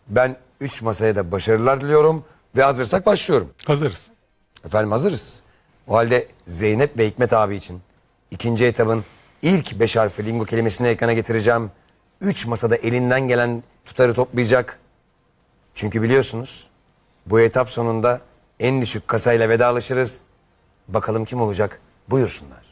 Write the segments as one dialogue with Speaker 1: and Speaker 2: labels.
Speaker 1: Ben 3 masaya da başarılar diliyorum ve hazırsak başlıyorum.
Speaker 2: Hazırız.
Speaker 1: Efendim hazırız. O halde Zeynep ve Hikmet abi için ikinci etabın ilk 5 harfli lingo kelimesini ekrana getireceğim. 3 masada elinden gelen tutarı toplayacak. Çünkü biliyorsunuz bu etap sonunda en düşük kasayla vedalaşırız. Bakalım kim olacak? Buyursunlar.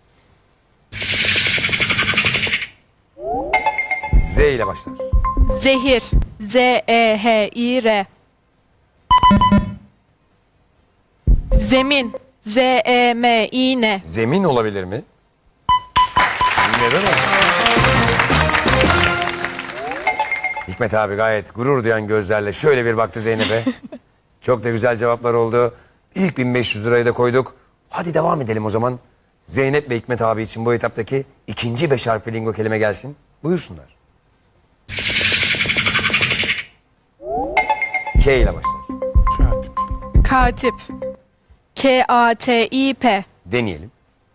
Speaker 1: Z ile başlar.
Speaker 3: Zehir. Z-E-H-İ-R. Zemin. Z-E-M-İ-N.
Speaker 1: Zemin olabilir mi? Neden olmaz? Hikmet abi gayet gurur duyan gözlerle şöyle bir baktı Zeynep'e. Çok da güzel cevaplar oldu. İlk 1500 lirayı da koyduk. Hadi devam edelim o zaman. Zeynep ve Hikmet abi için bu etaptaki ikinci 5 harfli lingo kelime gelsin. Buyursunlar. K ile başlar.
Speaker 2: Katip.
Speaker 3: Katip. K-A-T-İ-P.
Speaker 1: Deneyelim.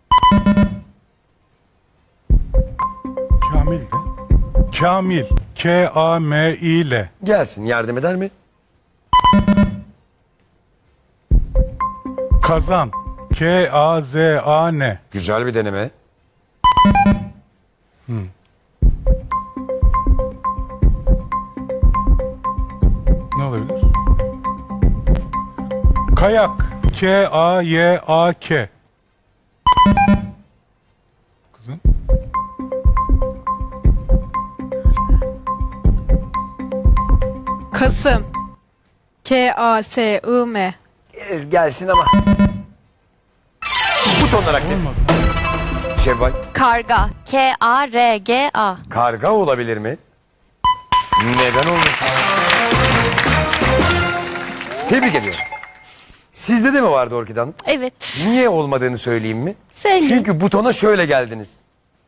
Speaker 2: Kamil de. Kamil. K-A-M-İ-L.
Speaker 1: Gelsin, yardım eder mi?
Speaker 2: Kazan. K-A-Z-A-N.
Speaker 1: Güzel bir deneme.
Speaker 2: Ne olabilir? Kayak. K-A-Y-A-K. Kızım.
Speaker 3: Kasım. K-A-S-I-M.
Speaker 1: Gelsin ama. Butonlar aktif.
Speaker 2: Olmadı.
Speaker 1: Şevval.
Speaker 4: Karga. K-A-R-G-A.
Speaker 1: Karga olabilir mi? Neden olmasın? Tebrik ediyorum. Sizde de mi vardı Orkide Hanım?
Speaker 4: Evet.
Speaker 1: Niye olmadığını söyleyeyim mi?
Speaker 4: Söyle.
Speaker 1: Çünkü butona şöyle geldiniz.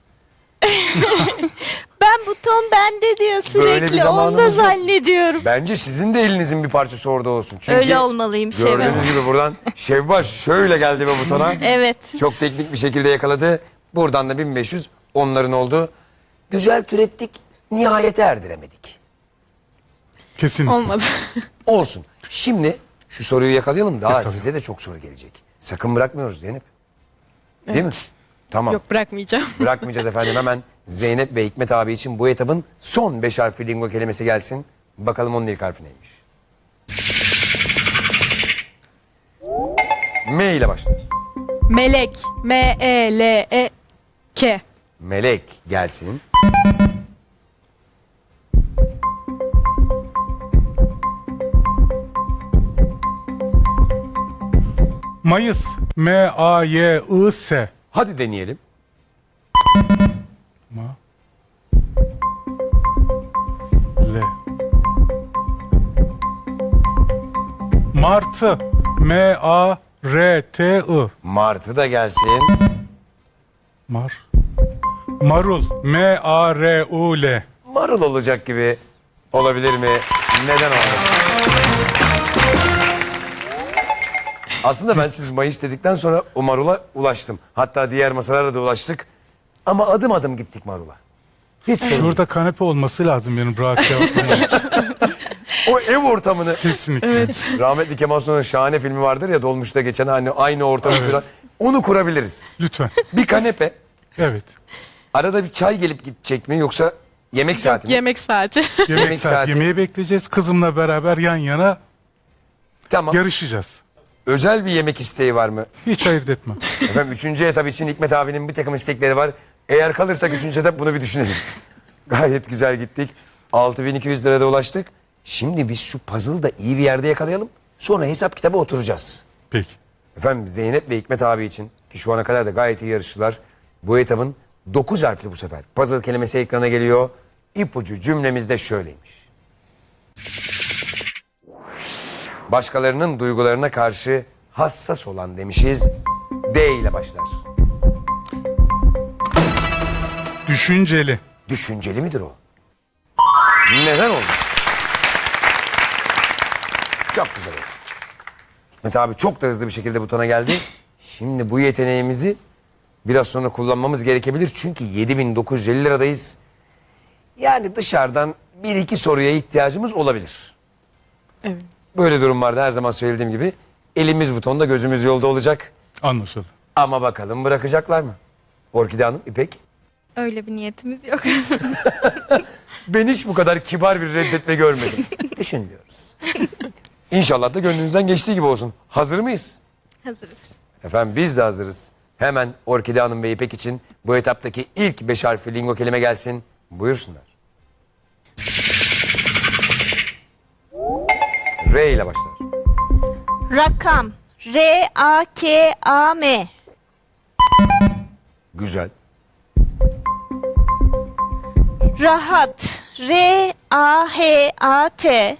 Speaker 4: Ben buton bende diyor
Speaker 1: Böyle bir
Speaker 4: sürekli.
Speaker 1: zamanımız
Speaker 4: Onu da
Speaker 1: yok.
Speaker 4: zannediyorum.
Speaker 1: Bence sizin de elinizin bir parçası orada olsun. Çünkü
Speaker 4: Öyle olmalıyım Şevval.
Speaker 1: gördüğünüz gibi buradan Şevval şöyle geldi ve butona.
Speaker 4: Evet.
Speaker 1: Çok teknik bir şekilde yakaladı. Buradan da 1500 onların oldu. Güzel türettik, nihayete erdiremedik.
Speaker 2: Kesin.
Speaker 3: Olmadı.
Speaker 1: Olsun. Şimdi şu soruyu yakalayalım. Daha
Speaker 2: Yakalayalım.
Speaker 1: size de çok soru gelecek. Sakın bırakmıyoruz Zeynep. Değil mi? Tamam.
Speaker 3: Yok, bırakmayacağım.
Speaker 1: Bırakmayacağız efendim. Hemen Zeynep ve Hikmet abi için bu etabın son 5 harfli lingo kelimesi gelsin. Bakalım onun ilk harfi neymiş? M ile başlar.
Speaker 3: Melek. M-E-L-E-K.
Speaker 1: Melek gelsin.
Speaker 2: Mayıs. M-A-Y-I-S.
Speaker 1: Hadi deneyelim.
Speaker 2: Ma. L. Martı. M-A-R-T-I.
Speaker 1: Martı da gelsin.
Speaker 2: Marul. M-A-R-U-L.
Speaker 1: Marul olacak gibi olabilir mi? Neden olmasın? Aslında ben siz Mayıs dedikten sonra o marula ulaştım. Hatta diğer masalarla da ulaştık. Ama adım adım gittik marula. Hiç sorun değil.
Speaker 2: Şurada kanepe olması lazım benim rahat cevaplayayım.
Speaker 1: O ev ortamını
Speaker 2: Kesinlikle.
Speaker 1: rahmetli Kemal Sunal'ın şahane filmi vardır ya Dolmuş'ta geçen hani aynı ortamı kuran. Onu kurabiliriz.
Speaker 2: Lütfen.
Speaker 1: Bir kanepe.
Speaker 2: Evet.
Speaker 1: Arada bir çay gelip gidecek mi yoksa yemek saati mi?
Speaker 3: Yemek saati.
Speaker 2: Yemek saati. Yemeği bekleyeceğiz. Kızımla beraber yan yana
Speaker 1: Tamam.
Speaker 2: yarışacağız.
Speaker 1: Özel bir yemek isteği var mı?
Speaker 2: Hiç ayırt etmem.
Speaker 1: Efendim 3. etap için Hikmet abinin bir takım istekleri var. Eğer kalırsak 3. etap bunu bir düşünelim. Gayet güzel gittik. 6200 lirada ulaştık. Şimdi biz şu puzzle'ı da iyi bir yerde yakalayalım. Sonra hesap kitaba oturacağız.
Speaker 2: Peki.
Speaker 1: Efendim Zeynep ve Hikmet abi için ki şu ana kadar da gayet iyi yarıştılar. Bu etabın 9 harfli bu sefer. Puzzle kelimesi ekrana geliyor. İpucu cümlemiz de şöyleymiş. Başkalarının duygularına karşı hassas olan demişiz. D ile başlar.
Speaker 2: Düşünceli.
Speaker 1: Düşünceli midir o? Neden oldu? Çok güzel oldu. Hikmet abi çok da hızlı bir şekilde butona geldi. Şimdi bu yeteneğimizi biraz sonra kullanmamız gerekebilir. Çünkü 7950 liradayız. Yani dışarıdan bir iki soruya ihtiyacımız olabilir.
Speaker 3: Evet.
Speaker 1: Böyle durumlarda her zaman söylediğim gibi elimiz butonda gözümüz yolda olacak.
Speaker 2: Anlaşıldı.
Speaker 1: Ama bakalım bırakacaklar mı? Orkide Hanım, İpek.
Speaker 4: Öyle bir niyetimiz yok.
Speaker 1: Ben hiç bu kadar kibar bir reddetme görmedim. Düşünmüyoruz. İnşallah da gönlünüzden geçtiği gibi olsun. Hazır mıyız?
Speaker 4: Hazırız.
Speaker 1: Efendim biz de hazırız. Hemen Orkide Hanım ve İpek için bu etaptaki ilk 5 harfli lingo kelime gelsin. Buyursunlar. R ile başlar.
Speaker 4: Rakam. R-A-K-A-M.
Speaker 1: Güzel.
Speaker 4: Rahat. R-A-H-A-T.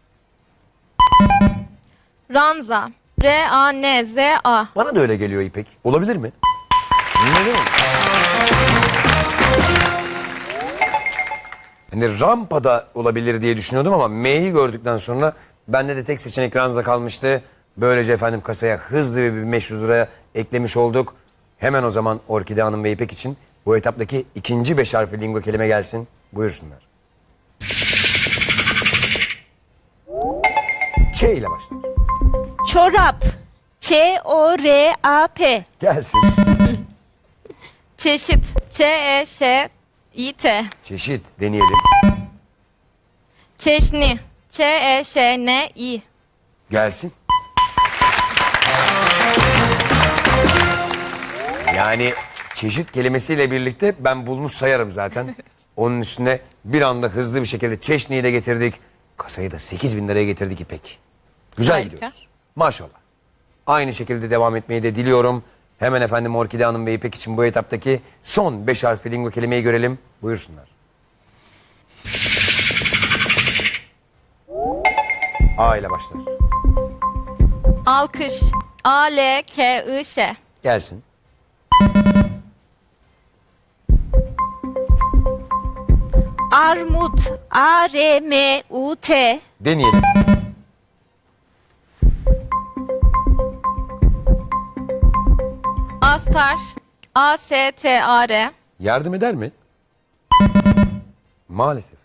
Speaker 4: Ranza. R-A-N-Z-A.
Speaker 1: Bana da öyle geliyor İpek. Olabilir mi? Neden olur? Hani rampada olabilir diye düşünüyordum ama M'yi gördükten sonra bende de tek seçenek ranza kalmıştı. Böylece efendim kasaya hızlı bir 500 liraya eklemiş olduk. Hemen o zaman Orkide Hanım ve İpek için bu etaptaki ikinci 5 harfli lingo kelime gelsin. Buyursunlar. Ç ile başlar.
Speaker 4: Çorap. Ç-O-R-A-P.
Speaker 1: Gelsin.
Speaker 4: Çeşit. Ç-E-Ş-İ-T.
Speaker 1: Çeşit deneyelim.
Speaker 4: Çeşni. Ç-E-Ş-N-İ.
Speaker 1: Gelsin. Yani çeşit kelimesiyle birlikte ben bulmuş sayarım zaten. Onun üstüne bir anda hızlı bir şekilde çeşniyi de getirdik. Kasayı da 8.000 liraya getirdik İpek. Güzel
Speaker 4: Harika.
Speaker 1: gidiyoruz. Maşallah. Aynı şekilde devam etmeyi de diliyorum. Hemen efendim Orkide Hanım ve İpek için bu etaptaki son 5 harfli lingo kelimeyi görelim. Buyursunlar. A ile başlar.
Speaker 4: Alkış. A-L-K-I-Ş.
Speaker 1: Gelsin.
Speaker 4: Armut. A-R-M-U-T.
Speaker 1: Deneyelim.
Speaker 4: Astar. A-S-T-A-R.
Speaker 1: Yardım eder mi? Maalesef.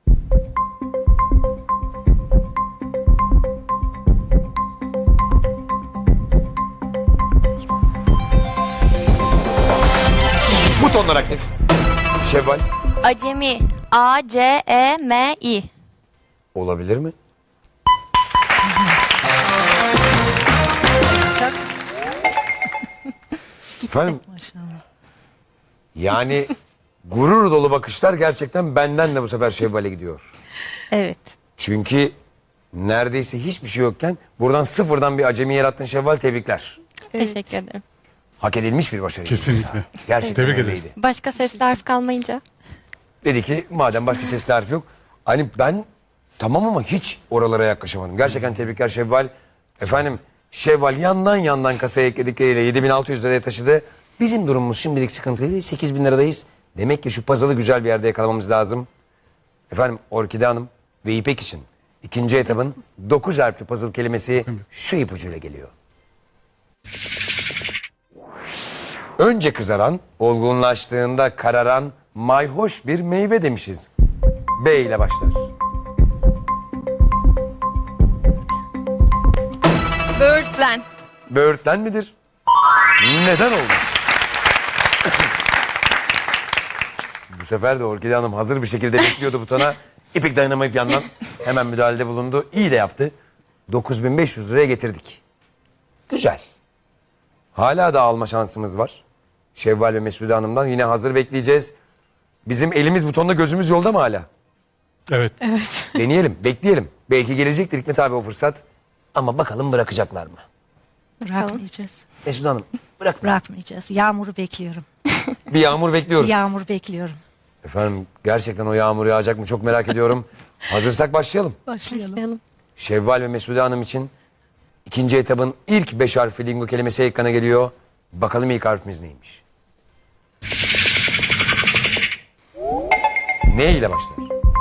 Speaker 1: Butonlar aktif. Şevval.
Speaker 4: Acemi. A-C-E-M-İ.
Speaker 1: Olabilir mi? Efendim yani gurur dolu bakışlar gerçekten benden de bu sefer Şevval'e gidiyor.
Speaker 4: Evet.
Speaker 1: Çünkü neredeyse hiçbir şey yokken buradan sıfırdan bir acemi yarattın Şevval, tebrikler.
Speaker 4: Teşekkür ederim.
Speaker 1: Hak edilmiş bir başarı.
Speaker 2: Kesinlikle.
Speaker 1: Gerçekten
Speaker 2: Tebrik
Speaker 1: öyleydi.
Speaker 2: ederiz.
Speaker 4: Başka sesli harf kalmayınca.
Speaker 1: Dedi ki madem başka sesli harf yok. Hani ben tamam ama hiç oralara yaklaşamadım. Gerçekten tebrikler Şevval. Efendim Şevval yandan kasaya ekledikleriyle 7.600 liraya taşıdı. Bizim durumumuz şimdilik sıkıntılıydı. 8.000 liradayız. Demek ki şu puzzle'ı güzel bir yerde yakalamamız lazım. Efendim Orkide Hanım ve İpek için ikinci etabın 9 harfli puzzle kelimesi şu ipucuyla geliyor. Önce kızaran, olgunlaştığında kararan mayhoş bir meyve demişiz. B ile başlar.
Speaker 4: Böğürtlen.
Speaker 1: Böğürtlen midir? Neden oldu? Bu sefer de Orkide Hanım hazır bir şekilde bekliyordu butona. İpek dayanamayıp yandan hemen müdahalede bulundu. İyi de yaptı. 9.500 liraya getirdik. Güzel. Hala da alma şansımız var. Şevval ve Mesude Hanım'dan yine hazır bekleyeceğiz. Bizim elimiz butonda gözümüz yolda mı hala?
Speaker 2: Evet.
Speaker 1: Deneyelim, bekleyelim. Belki gelecektir Hikmet abi o fırsat. Ama bakalım bırakacaklar mı?
Speaker 5: Bırakmayacağız.
Speaker 1: Mesude Hanım bırak.
Speaker 5: Bırakmayacağız. Yağmuru bekliyorum.
Speaker 1: Bir yağmur bekliyoruz.
Speaker 5: Yağmur bekliyorum.
Speaker 1: Efendim gerçekten o yağmur yağacak mı çok merak ediyorum. Hazırsak başlayalım.
Speaker 5: Başlayalım.
Speaker 1: Şevval ve Mesude Hanım için ikinci etabın ilk 5 harfli lingo kelimesi ekrana geliyor. Bakalım ilk harfimiz neymiş? Ne ile başlar?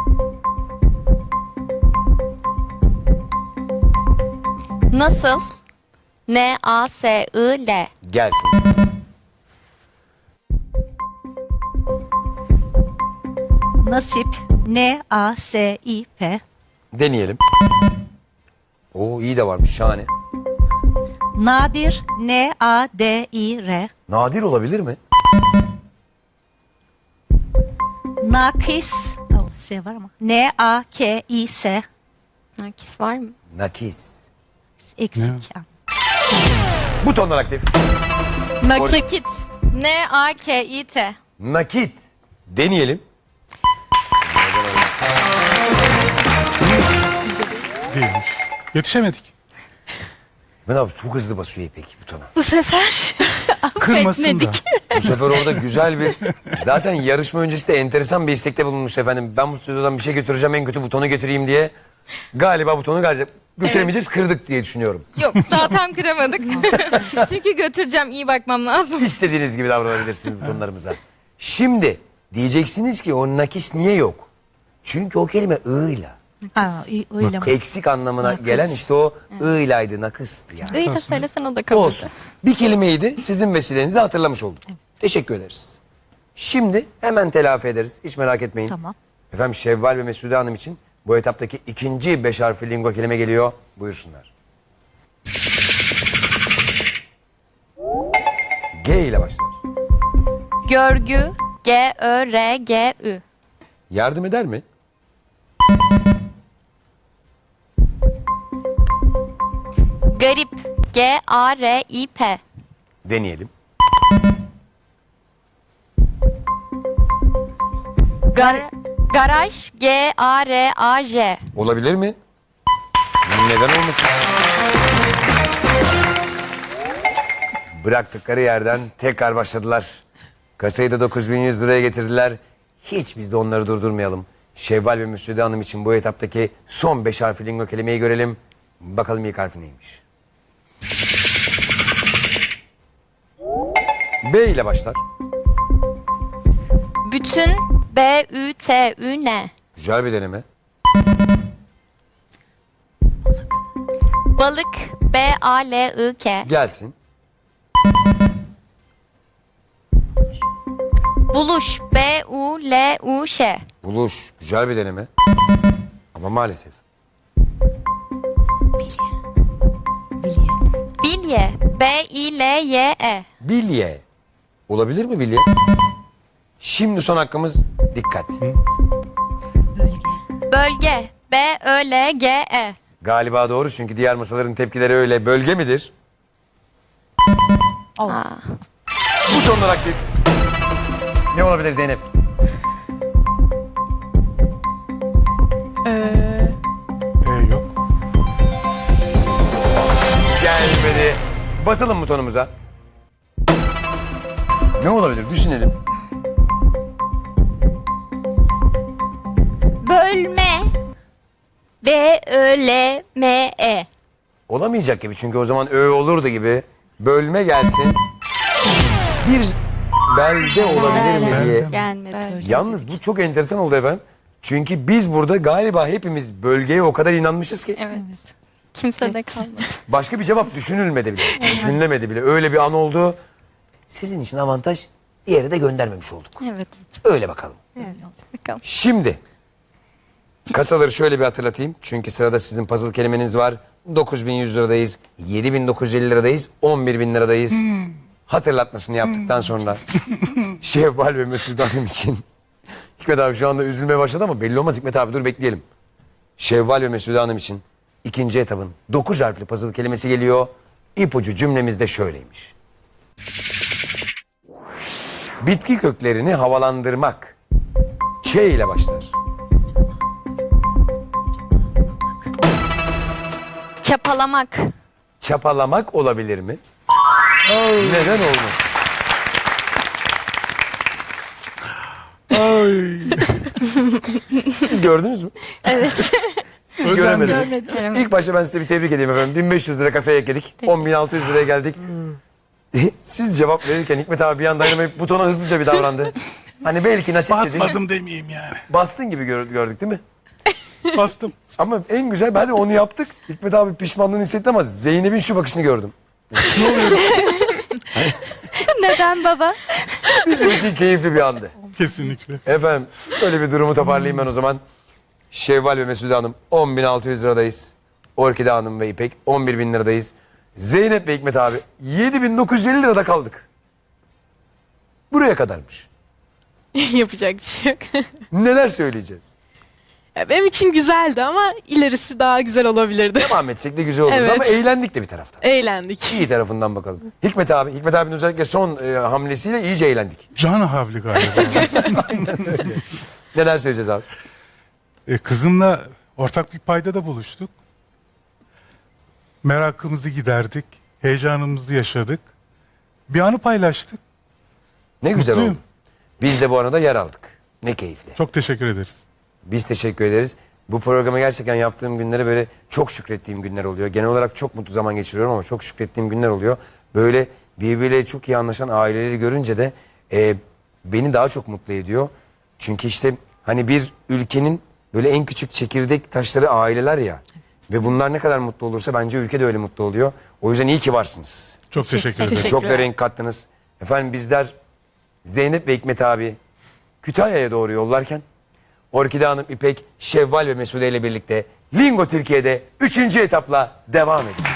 Speaker 4: Nasıl? N-A-S-I-L.
Speaker 1: Gelsin.
Speaker 5: Nasip. N-A-S-İ-P.
Speaker 1: Deneyelim. Oo iyi de varmış şahane.
Speaker 5: Nadir. N-A-D-İ-R.
Speaker 1: Nadir olabilir mi?
Speaker 5: Nakis. Oh, S var ama. N-A-K-İ-S.
Speaker 4: Nakis var mı?
Speaker 1: Nakis.
Speaker 5: Eksik. yani.
Speaker 1: Butonlar aktif.
Speaker 4: Nakit. N-A-K-İ-T.
Speaker 1: Nakit. Deneyelim.
Speaker 2: Değilmiş. Yetişemedik.
Speaker 1: Ben abi çok hızlı basıyor İpek butona.
Speaker 5: Bu sefer
Speaker 2: Kırmasın da.
Speaker 1: Bu sefer orada güzel bir... Zaten yarışma öncesi de enteresan bir istekte bulunmuş efendim. Ben bu stüdyodan bir şey götüreceğim, en kötü butonu götüreyim diye. Galiba butonu götüremeyeceğiz, kırdık diye düşünüyorum.
Speaker 4: Yok daha tam kıramadık. Çünkü götüreceğim, iyi bakmam lazım.
Speaker 1: İstediğiniz gibi davranabilirsiniz butonlarımıza. Şimdi diyeceksiniz ki o nakis niye yok? Çünkü o kelime ığıyla.
Speaker 5: Ha, öyle mi?
Speaker 1: Eksik anlamına
Speaker 5: Nakıs.
Speaker 1: gelen işte o ığıylaydı, nakıstı yani.
Speaker 4: İyi de söylesen o da kabul.
Speaker 1: Olsun. Bir kelimeydi, sizin vesilenizle hatırlamış olduk. Teşekkür ederiz. Şimdi hemen telafi ederiz. Hiç merak etmeyin.
Speaker 5: Tamam.
Speaker 1: Efendim Şevval ve Mesude Hanım için bu etaptaki ikinci 5 harfli lingo kelime geliyor. Buyursunlar. G ile başlar.
Speaker 4: Görgü. G-Ö-R-G-Ü.
Speaker 1: Yardım eder mi?
Speaker 4: Garip. G-A-R-İ-P.
Speaker 1: Deneyelim.
Speaker 4: Garaj. G-A-R-A-J.
Speaker 1: Olabilir mi? Neden olmasın? Bıraktıkları yerden tekrar başladılar. Kasayı da 9100 liraya getirdiler. Hiç biz de onları durdurmayalım. Şevval ve Müslüde Hanım için bu etaptaki son 5 harfli lingo kelimeyi görelim. Bakalım ilk harfi neymiş? B ile başlar.
Speaker 4: Bütün. B-Ü-T-Ü-N.
Speaker 1: Güzel bir deneme.
Speaker 4: Balık. B-A-L-I-K.
Speaker 1: Gelsin.
Speaker 4: Buluş. B-U-L-U-Ş.
Speaker 1: Buluş. Güzel bir deneme. Ama maalesef.
Speaker 5: Bilye.
Speaker 4: Bilye. B-İ-L-Y-E.
Speaker 1: Bilye. Olabilir mi bilye? Şimdi son hakkımız dikkat.
Speaker 5: Bölge.
Speaker 4: Bölge. B-Ö-L-G-E.
Speaker 1: Galiba doğru çünkü diğer masaların tepkileri öyle. Bölge midir?
Speaker 5: Oh.
Speaker 1: Butonlar aktif. Ne olabilir Zeynep?
Speaker 2: Yok.
Speaker 1: Gelmedi. Basalım butonumuza. Ne olabilir? Düşünelim.
Speaker 4: Bölme. B-Ö-L-M-E.
Speaker 1: Olamayacak gibi çünkü o zaman ö olurdu gibi. Bölme gelsin. Bir belde olabilir mi diye.
Speaker 4: Gelmedi.
Speaker 1: Yalnız bu çok enteresan oldu efendim. Çünkü biz burada galiba hepimiz bölgeye o kadar inanmışız ki
Speaker 4: Evet. Kimse de kalmadı.
Speaker 1: başka bir cevap düşünülmedi bile. Düşünülemedi bile. Öyle bir an oldu. Sizin için avantaj, bir yere de göndermemiş olduk.
Speaker 4: Evet.
Speaker 1: Öyle bakalım.
Speaker 4: Bakalım.
Speaker 1: Şimdi kasaları şöyle bir hatırlatayım. Çünkü sırada sizin puzzle kelimeniz var. 9100 liradayız, 7950 liradayız, 11.000 liradayız. Hatırlatmasını yaptıktan sonra Şevval ve Mesut Hanım için Hikmet abi şu anda üzülmeye başladı ama belli olmaz. Hikmet abi dur bekleyelim. Şevval ve Mesut Hanım için ikinci etabın 9 harfli puzzle kelimesi geliyor. İpucu cümlemiz de şöyleymiş. Bitki köklerini havalandırmak. Ç ile başlar.
Speaker 4: Çapalamak.
Speaker 1: Çapalamak olabilir mi? Neden olmasın? Siz gördünüz mü? Evet. Siz göremediniz. İlk başta ben size bir tebrik edeyim efendim. 1500 lira kasaya ekledik. 10.600 liraya geldik. Siz cevap verirken Hikmet abi bir anda dayanamayıp butona hızlıca bir davrandı. Hani belki nasip dedi.
Speaker 2: Basmadım demeyeyim yani.
Speaker 1: Bastın gibi gördük değil mi?
Speaker 2: Bastım.
Speaker 1: Ama en güzel hadi onu yaptık. Hikmet abi pişmanlığını hissetti ama Zeynep'in şu bakışını gördüm.
Speaker 5: Neden baba?
Speaker 1: Bizim için keyifli bir andı.
Speaker 2: Kesinlikle.
Speaker 1: Efendim öyle bir durumu toparlayayım ben o zaman. Şevval ve Mesude Hanım 10.600 liradayız. Orkide Hanım ve İpek 11.000 liradayız. Zeynep ve Hikmet abi 7.950 lirada kaldık. Buraya kadarmış.
Speaker 3: Yapacak bir şey yok.
Speaker 1: Neler söyleyeceğiz?
Speaker 3: Ya benim için güzeldi ama ilerisi daha güzel olabilirdi.
Speaker 1: Devam etsek de güzel olurdu
Speaker 3: Evet.
Speaker 1: ama eğlendik de bir taraftan.
Speaker 3: Eğlendik.
Speaker 1: İyi tarafından bakalım. Hikmet abi, Hikmet abinin özellikle son hamlesiyle iyice eğlendik.
Speaker 2: Can havli galiba.
Speaker 1: Neler söyleyeceğiz abi?
Speaker 2: Kızımla ortak bir paydada buluştuk. Merakımızı giderdik. Heyecanımızı yaşadık. Bir anı paylaştık.
Speaker 1: Ne güzel
Speaker 2: Mutluyum.
Speaker 1: oldu. Biz de bu arada yer aldık. Ne keyifli.
Speaker 2: Çok teşekkür ederiz.
Speaker 1: Biz teşekkür ederiz. Bu programı gerçekten yaptığım günlere böyle çok şükrettiğim günler oluyor. Genel olarak çok mutlu zaman geçiriyorum ama çok şükrettiğim günler oluyor. Böyle birbiriyle çok iyi anlaşan aileleri görünce de beni daha çok mutlu ediyor. Çünkü işte hani bir ülkenin böyle en küçük çekirdek taşları aileler ya. Ve bunlar ne kadar mutlu olursa bence ülke de öyle mutlu oluyor. O yüzden iyi ki varsınız.
Speaker 2: Çok teşekkür ederim.
Speaker 1: Çok da renk kattınız. Efendim bizler Zeynep ve Hikmet abi Kütahya'ya doğru yollarken Orkide Hanım, İpek, Şevval ve Mesude ile birlikte Lingo Türkiye'de 3. etapla devam ediyor.